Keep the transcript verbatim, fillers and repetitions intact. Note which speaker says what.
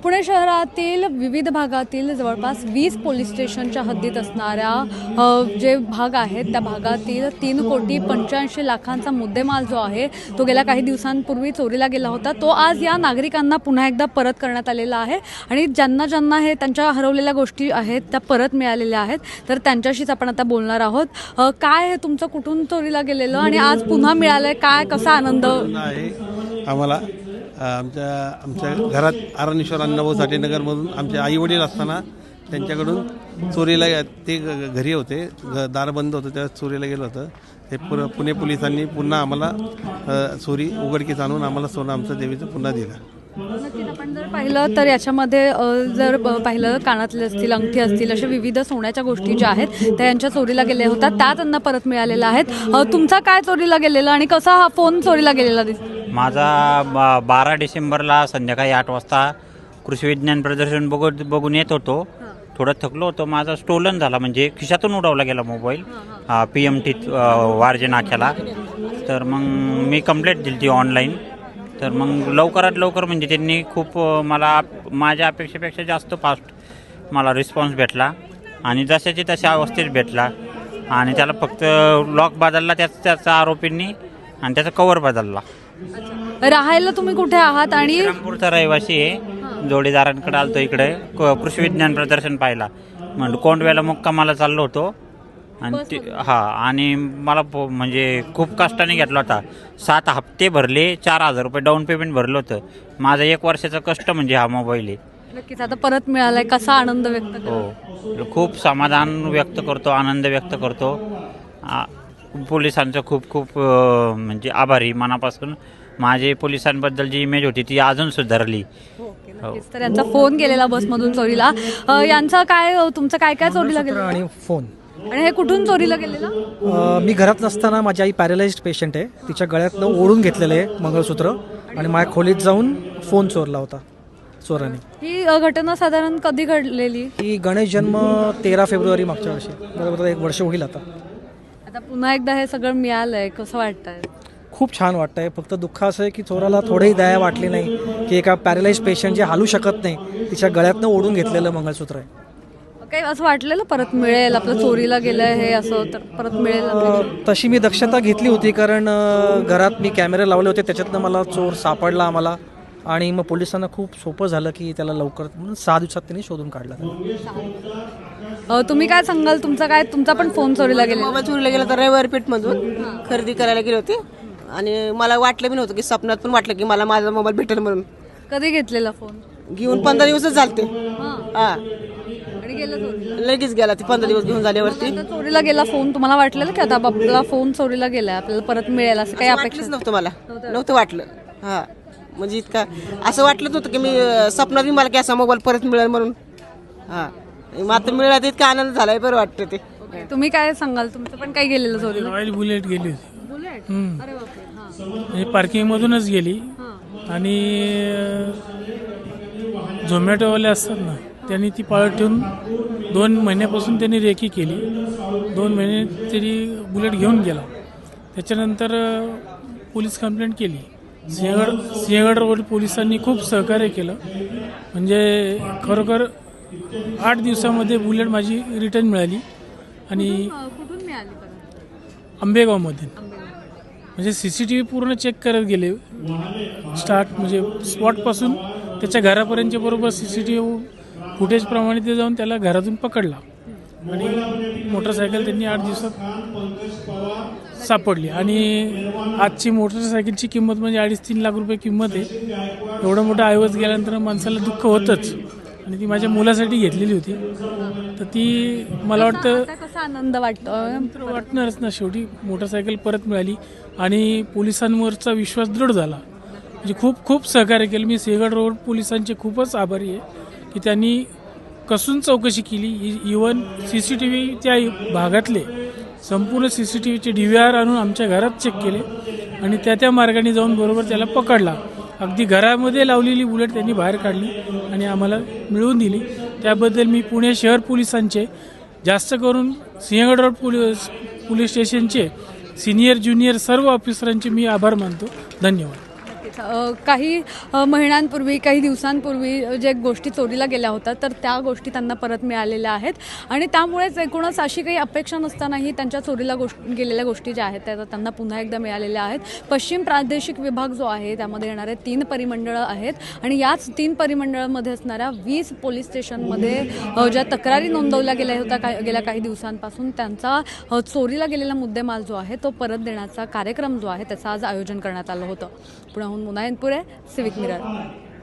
Speaker 1: पुणे शहरातील विविध भागातील जवळपास वीस पोलीस स्टेशनच्या हद्दीत असणाऱ्या जे भाग आहेत त्या भागातील तीन कोटी पंच्याऐंशी लाखांचा मुद्देमाल जो आहे तो गेल्या काही दिवसांपूर्वी चोरीला गेला होता. तो आज या नागरिकांना पुन्हा एकदा परत करण्यात आलेला आहे आणि ज्यांना ज्यांना हे त्यांच्या हरवलेल्या गोष्टी आहेत त्या परत मिळालेल्या आहेत. तर त्यांच्याशीच आपण आता बोलणार आहोत. काय हे तुमचं कुठून चोरीला गेलेलं आणि आज पुन्हा मिळालंय, काय कसा आनंद
Speaker 2: आहे आम्हाला? आमच्या आमच्या घरात आरणेश्वर अण्णाभाऊ साठेनगरमधून आमचे आईवडील असताना त्यांच्याकडून चोरीला ते घरी होते, दार बंद होतं, त्या चोरीला गेलं होतं. ते पुर पुणे पोलिसांनी पुन्हा आम्हाला चोरी उघडकीस आणून आम्हाला सोनं आमचं देवीचं पुन्हा दिलं.
Speaker 1: नक्कीच आपण जर पाहिलं तर याच्यामध्ये जर पाहिलं कानातले असतील, अंगठी असतील, अशा विविध सोन्याच्या गोष्टी ज्या आहेत त्या यांच्या चोरीला गेल्या होत्या, त्या त्यांना परत मिळालेल्या आहेत. तुमचा काय चोरीला गेलेला आणि कसा हा फोन चोरीला गेलेला दिसतो?
Speaker 3: माझा बारा डिसेंबरला संध्याकाळी आठ वाजता कृषी विज्ञान प्रदर्शन बघू बघून येत होतो. थोडं थकलो होतो, माझा स्टोलन झाला, म्हणजे खिशातून उडवला गेला mobile P M T Warje नाक्याला. तर मग मी कंप्लेंट दिली ती ऑनलाईन. तर मग लवकरात लवकर म्हणजे त्यांनी खूप मला माझ्या अपेक्षेपेक्षा जास्त फास्ट मला रिस्पॉन्स भेटला आणि जशाची तशा अवस्थेत भेटला. आणि त्याला फक्त लॉक बदलला त्याच त्याचा आरोपींनी आणि त्याचा कवर बदलला.
Speaker 1: राहायला तुम्ही कुठे आहात? आणि
Speaker 3: रामपूरचा रहिवासी आहे, जोडीदारांकडे आलतो इकडे कृषी विज्ञान प्रदर्शन पाहिला. म्हणजे कोंडव्याला मुक्कामाला चाललो होतो आणि हा आणि मला म्हणजे खूप कष्टाने घेतला होता. सात हप्ते भरले, चार हजार रुपये डाऊन पेमेंट भरलं होतं. माझं एक वर्षाचं कष्ट म्हणजे हा मोबाईल आहे.
Speaker 1: नक्कीच आता परत मिळालाय, कसा आनंद व्यक्त करतो?
Speaker 3: हो, खूप समाधान व्यक्त करतो, आनंद व्यक्त करतो. पोलिसांचं खूप खूप म्हणजे आभारी मनापासून. माझे पोलिसांबद्दल जी इमेज होती ती अजून सुधारली.
Speaker 1: तर यांचा फोन गेलेला बसमधून चोरीला. यांचा काय, तुमचं काय काय चोरीला गेलं
Speaker 4: आणि फोन?
Speaker 1: आणि हे कुठून चोरीला गेलेलं?
Speaker 4: मी घरात नसताना माझी आई पॅरालाइज्ड पेशंट आहे, तिच्या गळ्यातनं ओढून घेतलेलं आहे मंगळसूत्र आणि माझ्या खोलीत जाऊन फोन चोरला होता चोराने.
Speaker 1: ही घटना साधारण कधी घडलेली?
Speaker 4: ही गणेश जन्म तेरा फेब्रुवारी मागच्या वर्षी, बरोबर एक वर्ष होईल आता.
Speaker 1: आता पुन्हा एकदा हे सगळं मिळालंय, कसं वाटतंय?
Speaker 4: खूप छान वाटतंय. फक्त दुःख असं आहे की चोराला थोडीही दया वाटली नाही की एका पॅरालाइज पेशंट जे हालू शकत नाही तिच्या गळ्यातनं ओढून घेतलेलं मंगळसूत्र आहे.
Speaker 1: काही असं वाटलेलं परत मिळेल, आपलं चोरीला गेलंय हे असं तर परत मिळेल?
Speaker 4: तशी मी दक्षता घेतली होती, कारण घरात मी कॅमेरे लावले होते, त्याच्यातनं मला चोर सापडला आम्हाला. आणि मग पोलिसांना खूप सोपं झालं की त्याला लवकर, म्हणून सहा दिवसात त्यांनी शोधून काढला.
Speaker 1: तुम्ही काय सांगाल? तुमचा काय, तुमचा पण फोन चोरीला गेला?
Speaker 5: मोबाईल चोरीला गेला तर रविवार पेठमधून खरेदी करायला गेले होते आणि मला वाटलं बी नव्हतं की स्वप्नात पण वाटलं की मला माझा मोबाईल भेटेल म्हणून.
Speaker 1: कधी घेतलेला फोन?
Speaker 5: घेऊन पंधरा दिवसच झालते. हा,
Speaker 1: आणि गेला चोरीला?
Speaker 5: लगेच गेला ते पंधरा दिवस घेऊन झाल्यावरती.
Speaker 1: चोरीला गेला फोन, तुम्हाला वाटलेलं की आता आपला फोन चोरीला गेलाय, आपल्याला परत मिळेल असं काही अपेक्षा
Speaker 5: नव्हतं? मला नव्हतं वाटलं. हा, म्हणजे इतका असं वाटलं नव्हतं की मी स्वप्नात बी मला की असा मोबाईल परत मिळेल म्हणून. हा, मात्र मिळाला तर इतका आनंद झालाय, बरं वाटतं ते.
Speaker 1: तुम्ही काय सांगाल? तुमचं पण काय गेलेलं चोरीला?
Speaker 6: रॉयल बुलेट गेली होती,
Speaker 1: बुलेट? अरे बापरे.
Speaker 6: म्हणजे पार्किंग मधूनच गेली. आणि झोमॅटोवाले असतात ना, त्यांनी ती पाळत ठेवून दोन महिन्यापासून त्यांनी रेकी केली. दोन महिने तरी बुलेट घेऊन गेला. त्याच्यानंतर पोलीस कंप्लेंट केली. सिंहगड सिंहगड रोड पोलिसांनी खूप सहकार्य केलं. म्हणजे खरोखर आठ दिवसामध्ये बुलेट माझी रिटर्न मिळाली. आणि
Speaker 1: कुठून मिळाली?
Speaker 6: आंबेगावमध्ये. म्हणजे सी सी टी व्ही पूर्ण चेक करत गेले, स्टार्ट म्हणजे स्पॉटपासून त्याच्या घरापर्यंतच्या बरोबर सी सी टी व्ही फुटेजप्रमाणे ते जाऊन त्याला घरातून पकडला. आणि मोटरसायकल त्यांनी आठ दिवसात सापडली. आणि आजची मोटरसायकलची किंमत म्हणजे अडीच तीन लाख रुपये किंमत आहे. एवढं मोठं ऐवज गेल्यानंतर माणसाला दुःख होतंच. आणि ती माझ्या मुलासाठी घेतलेली होती, तर ती मला वाटतं
Speaker 1: कसा आनंद वाटतो?
Speaker 6: वाटणारच ना. शेवटी मोटरसायकल परत मिळाली आणि पोलिसांवरचा विश्वास दृढ झाला. म्हणजे खूप खूप सहकार्य केलं. मी सिंहगड रोड पोलिसांचे खूपच आभारी आहे की त्यांनी कसून चौकशी केली. Even C C T V त्या भागातले संपूर्ण सी सी टी व्हीचे डी व्ही आर आणून आमच्या घरात चेक केले आणि त्या त्या मार्गाने जाऊन बरोबर त्याला पकडला. अगदी घरामध्ये लावलेली बुलेट त्यांनी बाहेर काढली आणि आम्हाला मिळवून दिली. त्याबद्दल मी पुणे शहर पोलिसांचे, जास्त करून सिंहगड रोड पोलीस पोलीस स्टेशनचे सिनियर ज्युनियर सर्व ऑफिसरांचे मी आभार मानतो. धन्यवाद.
Speaker 1: नक्कीच अ, काही अ, महिन्यांपूर्वी काही दिवसांपूर्वी अ, जे गोष्टी चोरीला गेल्या होत्या तर त्या गोष्टी त्यांना परत मिळालेल्या आहेत आणि त्यामुळेच एकूणच अशी काही अपेक्षा नसतानाही त्यांच्या चोरीला गोष्ट गेलेल्या गोष्टी ज्या आहेत त्या त्यांना पुन्हा एकदा मिळालेल्या आहेत. पश्चिम प्रादेशिक विभाग जो आहे त्यामध्ये येणारे तीन परिमंडळं आहेत आणि याच तीन परिमंडळामध्ये असणाऱ्या वीस पोलीस स्टेशनमध्ये अ, ज्या तक्रारी नोंदवल्या गेल्या होत्या का गेल्या काही दिवसांपासून त्यांचा अ, चोरीला गेलेला मुद्देमाल जो आहे तो परत देण्याचा कार्यक्रम जो आहे त्याचं आज आयोजन करण्यात आलं होतं. पुण्याहून मुनायनपुरे, सिविक मिरर.